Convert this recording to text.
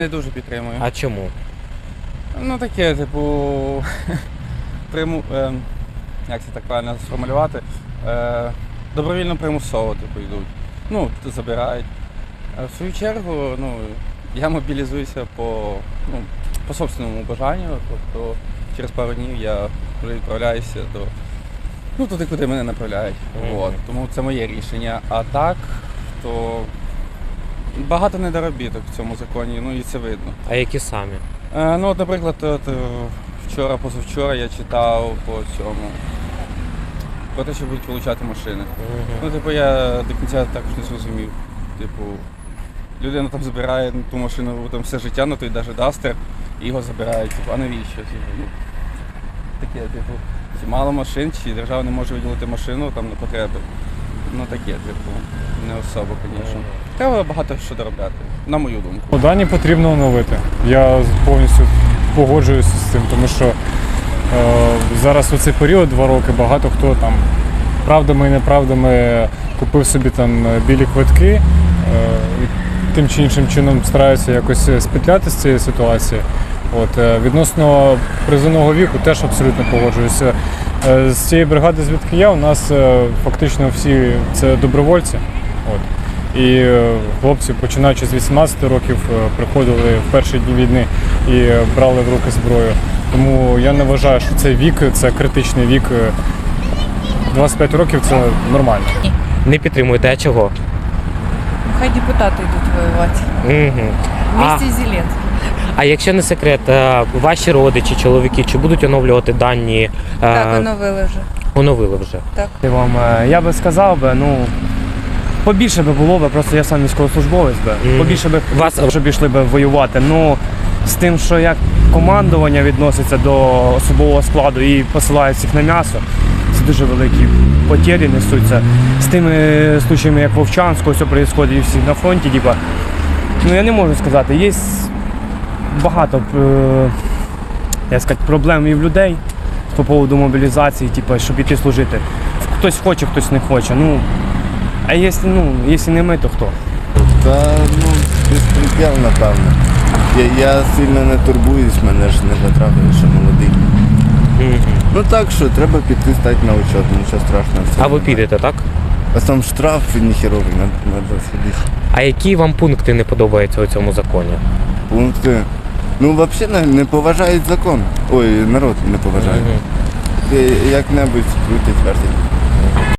Не дуже підтримую. А чому? Ну таке, типу, як це так правильно сформулювати, добровільно примусово типу, йдуть. Ну, забирають. А в свою чергу, я мобілізуюся по собственному бажанню, тобто через пару днів я вже відправляюся туди, куди мене направляють. От. Тому це моє рішення. А так, то багато недоробіток в цьому законі, і це видно. А які самі? Наприклад, позавчора я читав про те, що будуть вилучати машини. Я до кінця також не зрозумів. Людина там забирає ту машину там все життя, той навіть Дастер, і його забирають. А навіщо? Таке, мало машин, чи держава не може виділити машину там на потреби. Не особо, звісно. Треба багато що доробляти, на мою думку. Дані потрібно оновити. Я повністю погоджуюся з цим, тому що зараз у цей період, 2 роки, багато хто там правдами і неправдами купив собі там білі квитки, і тим чи іншим чином стараються якось спетляти з цієї ситуації. Відносно призовного віку теж абсолютно погоджуюся. З цієї бригади, звідки я, у нас фактично всі це добровольці. І хлопці, починаючи з 18 років, приходили в перші дні війни і брали в руки зброю. Тому я не вважаю, що цей вік, це критичний вік. 25 років – це нормально. Не підтримуєте, а чого? Хай депутати йдуть воювати. Вместе з Зеленським. А якщо не секрет, ваші родичі, чоловіки, чи будуть оновлювати дані? Так, оновили вже. Оновили вже. Так. Я би сказав, побільше би було, просто я сам військовослужбовець, побільше би щоб йшли воювати. З тим, що як командування відноситься до особового складу і посилають всіх на м'ясо, це дуже великі потері несуться. З тими случаями, як Вовчанського, все відбувається і всі на фронті, я не можу сказати, є багато проблем і в людей по поводу мобілізації, щоб іти служити. Хтось хоче, хтось не хоче. А якщо не ми, то хто? Безпреділ, напевно. Я сильно не турбуюсь, мене ж не потрапили, що молодий. Так що, треба піти, стати на учет, нічого страшного. А ви підете, так? А сам штраф ніхеровий, треба сидіти. А які вам пункти не подобаються у цьому законі? Пункти? Взагалі не поважають закон. Ой, народ не поважає. Як-небудь крутить, вертить.